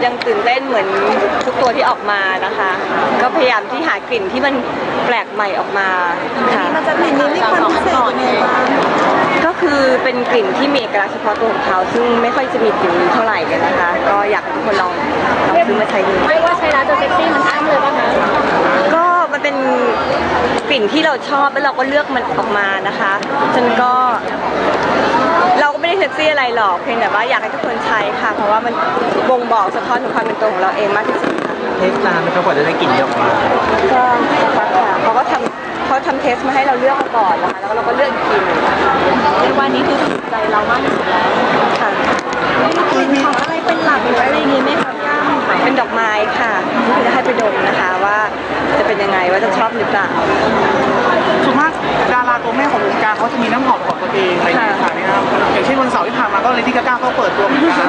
ยังตื่นเต้นเหมือนทุกตัวที่ออกมานะคะ ก็พยายามที่หากลิ่นที่มันแปลกใหม่ออกมาค่ะมันจะกลิ่นนี้มีความพิเศษยังไงบ้างก็คือเป็นกลิ่นที่มีเอกลักษณ์เฉพาะตัวของเขาซึ่งไม่ค่อยจะมีกลิ่นนี้เท่าไหร่กันนะคะก็อยากให้ทุกคนลองซื้อมาใช้ดูไม่ว่าใช้แล้วจะเซ็กซี่มันอ้ำเลยป่ะคะก็มันเป็นกลิ่นที่เราชอบแล้วเราก็เลือกมันออกมานะคะฉะนั้นก็เราก็ไม่ได้เซ็กซี่อะไรหรอกเพียงแต่ว่าอยากให้ทุกคนใช้ค่ะเพราะว่ามันบ่งบอกสะท้อนถึงความเป็นตัวของเราเองมากที่สุดค่ะเทสนานไหมครับกว่าจะได้กลิ่นนี้ออกมาก็สักพักค่ะเขาทำเทสมาให้เราเลือกก่อนนะคะแล้วเราก็เลือกอีกทีนึงในวันนี้คือถูกใจเรามากที่สุดแล้วค่ะมีกลิ่นของอะไรเป็นหลักหรืออะไรอย่างงี้ไหมคะย่าเป็นดอกไม้ค่ะที่จะให้ไปดมนะคะว่าจะเป็นยังไงว่าจะชอบหรือเปล่าส่วนมากดาราตัวแม่ของวงการเขาจะมีน้ำหอมของตัวเองอะไรอย่างเงี้ยค่ะนี่ครับอย่างเช่นวันเสาร์ที่ผ่านมาก็เลดี้กาก้าเขาเปิดตัวเหมือนกัน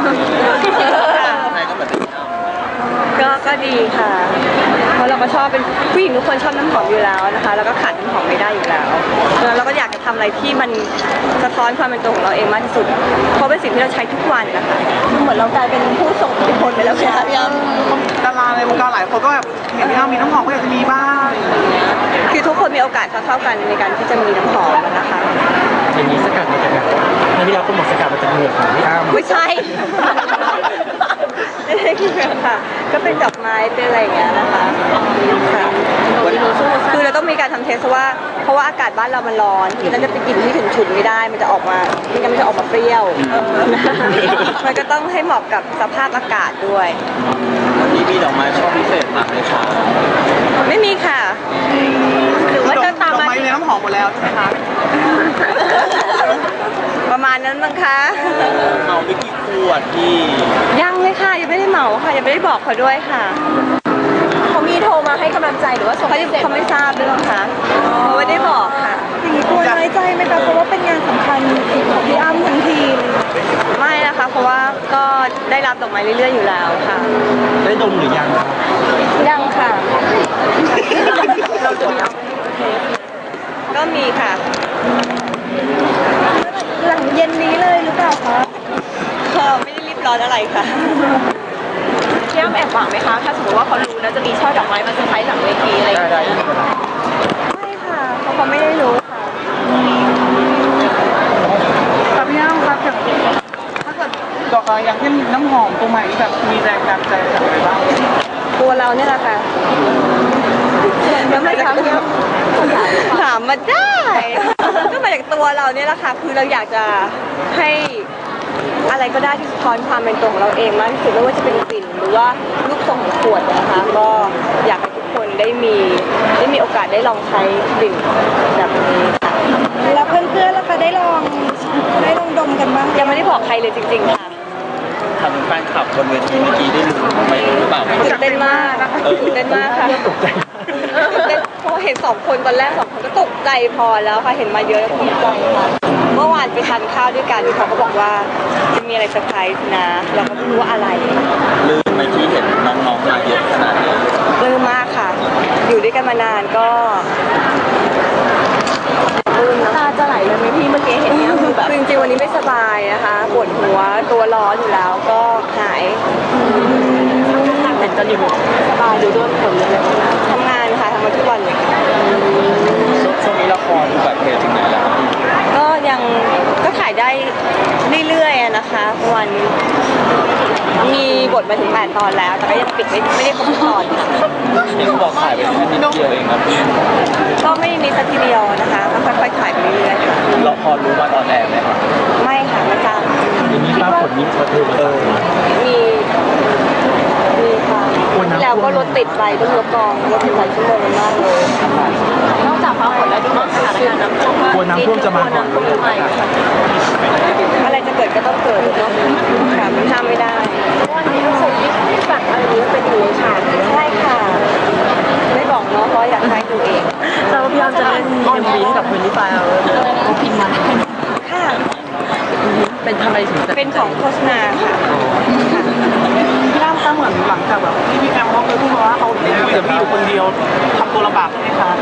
ก็ดีค่ะเพราะเราก็ชอบเป็นผู้หญิงทุกคนชอบน้ำหอมอยู่แล้วนะคะแล้วก็ขาดน้ำหอมไม่ได้อยู่แล้วแล้วเราก็อยากจะทำอะไรที่มันสะท้อนความเป็นตัวของเราเองมากที่สุดเพราะเป็นสิ่งที่เราใช้ทุกวันนะคะเหมือนเรากลายเป็นผู้ส่งอิทธิพลไปแล้วใช่ไหมพี่อ้ดาราในวงการหลายคนก็แบบเห็นพี่อ้ำมีน้ำหอมก็อยากจะมีบ้างคือทุกคนมีโอกาสเท่ากันในการที่จะมีน้ำหอมนะคะอย่างนี้สกัดมาจากไหนให้พี่อ้ำคุณบอกสกัดมาจากเหงือกของพี่อ้ำไม่ใช่ไม่ใช่เหงือกค่ะก็เป็นดอกไม้เป็นอะไรอย่างเงี้ยนะคะค่ะคือเราต้องมีการทำเทสว่าเพราะว่าอากาศบ้านเรามันร้อนที่นั่นจะไปกินที่ฉุนๆไม่ได้มันจะออกมาไม่งั้นมันจะออกมาเปรี้ยวมันก็ต้องให้เหมาะกับสภาพอากาศด้วยวันนี้มีดอกไม้ชอบพิเศษมากเลยค่ะไม่มีค่ะหรือว่าจะตามมาดอกไม้ในน้ำหอมหมดแล้วใช่ไหมคะประมาณนั้นมั้งคะเมาไปกี่ขวดพี่ยังเลยค่ะยังไม่ได้เหมาค่ะยังไม่ได้บอกเขาด้วยค่ะเขามีโทรมาให้กำลังใจหรือว่าเขาไม่ทราบด้วยหรอคะเขาไม่ได้บอกค่ะอย่างนี้กลัวน้อยใจไหมคะเพราะว่าเป็นงานสำคัญของพี่อ้ำทั้งทีมไม่นะคะเพราะว่าก็ได้รับดอกไม้เรื่อยๆอยู่แล้วค่ะได้ดมหรือยังยังค่ะเราจะมีก็มีค่ะหลังเย็นนี้เลยหรือเปล่าคะไม่ได้รีบร้อนอะไรค่ะพี่อ้ำแอบหวังไหมคะถ้าสมมติว่าเขารู้แล้วจะมีช่อดอกไม้มาเซอร์ไพรส์หลังเวทีอะไรอย่างเงี้ยไม่ค่ะเพราะเขาไม่ได้รู้ค่ะพี่อ้ำครับถ้าเกิดดอกอย่างเช่นน้ำหอมตัวใหม่แบบมีแรงดันใจจากอะไรบ้างตัวเราเนี่ยแหละค่ะแล้วไม่ถามถามมาได้ก็มาจากตัวเราเนี่ยแหละค่ะคือเราอยากจะให้อะไรก็ได้ที่สะท้อนความเป็นตัวของเราเองมากที่สุดไม่ว่าจะเป็นกลิ่นหรือว่ารูปทรงของขวดนะคะก็อยากให้ทุกคนได้มีโอกาสได้ลองใช้กลิ่นแบบนี้ค่ะแล้วเพื่อนๆล่ะคะได้ลองดมกันบ้างยังไม่ได้บอกใครเลยจริงๆค่ะทางแฟนคลับบนเวทีเมื่อกี้ได้รู้ไหมหรือเปล่าตื่นเต้นมากตื่นเต้นมากค่ะเพราะเห็น2 คนตอนแรก2 คนก็ตกใจพอแล้วค่ะเห็นมาเยอะแล้วตกใจค่ะเมื่อวานไปทานข้าวด้วยกันเขาก็บอกว่าจะมีอะไรเซอร์ไพรส์นะเราก็ไม่รู้ว่าอะไรลืมไปที่เห็นน้องๆมาเยอะขนาดนี้ลืมมากค่ะอยู่ด้วยกันมานานก็ตาจะไหลเลยไหมพี่เมื่อกี้เห็นเนี่ยคือแบบจริงๆวันนี้ไม่สบายนะคะปวดหัวตัวร้อนอยู่แล้วก็หายแต่จะอยู่สบายดูด้วยผลเลยทำงานค่ะทำมาทุกวันเลยค่ะช่วงนี้ละครแบบเพลงถึงไหนแล้วก็ยังก็ถ่ายได้เรื่อยๆนะคะวันมีบทมาถึง8 ตอนแล้วแต่ก็ยังปิดไม่ได้ครบทุกตอนนี่ก็บอกถ่ายไปแค่นิดเดียวเองครับก็ไม่ได้นิดสักทีเดียวนะคะก็ค่อยๆถ่ายไปเรื่อยๆค่ะเราพอรู้มาตอนแรกไหมครับไม่ค่ะไม่ทราบมีภาพผลนี้ประเทศมีค่ะแล้วก็รถติดไปต้องรถกองรถติดหลายชั่วโมงมากเลยนอกจากฟ้าฝนแล้วดูเหมือนสถานการณ์น้ำท่วมกลัวน้ำท่วมจะมาก่อนอะไรจะเกิดก็ต้องเกิดเนาะค่ะมันห้ามไม่ได้วันนี้รู้สึกที่สั่งอะไรนี้เป็นอยู่ในฉากใช่ค่ะไม่บอกเนาะเพราะอยากให้ดูเองเราพยายามจะเล่นเอ็มวีกับเพลงนี้ไปเอาพิมพ์มาค่ะเป็นทำไมถึงเป็นของโฆษณาค่ะพี่อ้ำคะเหมือนหลังจากแบบที่พี่แอมเขาเคยพูดว่าเขาเดี๋ยวพี่อยู่คนเดียวทำตัวลำบากใช่ไหมคะ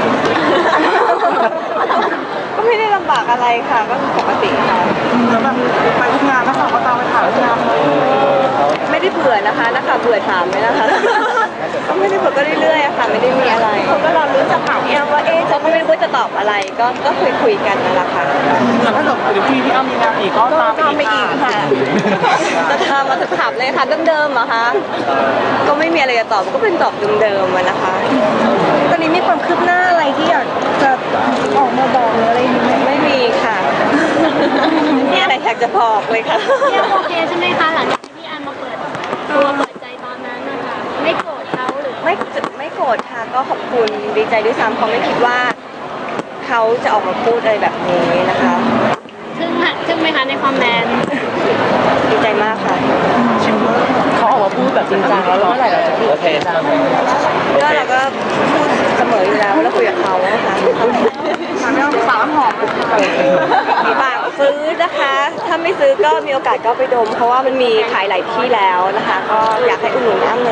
ก็ไม่ได้ลำบากอะไรค่ะก็ปกติค่ะแล้วแบบไปทุกงานถ้าสั่งว่าตามไปถ่ายทุกงานเลยไม่ได้เบื่อนะคะนักข่าวเบื่อถามไหมนะคะก็ไม่ได้เบื่อก็เรื่อยๆอะค่ะไม่ได้มีอะไรเขาก็รอรุ้นจากข่าวพี่อ้ำว่าเขาก็ไม่รู้ว่าจะตอบอะไรก็คุยกันนั่นแหละค่ะเหมือนถ้าเกิดเดี๋ยวพี่อ้ำมีงานอีกก็ตามไปอีกค่ะจะทำมาถามเลยค่ะเดิมๆเหรอะคะก็ไม่มีอะไรจะตอบก็เป็นตอบเดิมๆอะนะคะตอนนี้มีความคืบหน้าอะไรที่อยากจะออกมาบอกหรืออะไรอย่างเงี้ยไม่มีค่ะไม่มีอะไรอยากจะบอกเลยค่ะพี่อ้ำโอเคใช่ไหมคะหลังจากที่พี่อ้ำมาเปิดตัวเปิดใจตอนนั้นนะคะไม่โกรธเขาหรือไม่โกรธค่ะก็ขอบคุณดีใจด้วยซ้ำเขาไม่คิดว่าเขาจะออกมาพูดอะไรแบบนี้นะคะทึ่งไหมคะในคอมเมนต์ดีใจมากค่ะเขาออกมาพูดแบบจริงจังแล้วเมื่อไหร่เราจะพูดโอเคก็เราก็พูดเสมออยู่แล้วแล้วคุยกับเขาค่ะถามไม่ต้องสาวน้ำหอมมีบางซื้อนะคะ ถ้าไม่ซื้อก็มีโอกาสก็ไปดม เพราะว่ามันมีขายหลายที่แล้วนะคะ ก็อยากให้อุดหนุนอ้ำ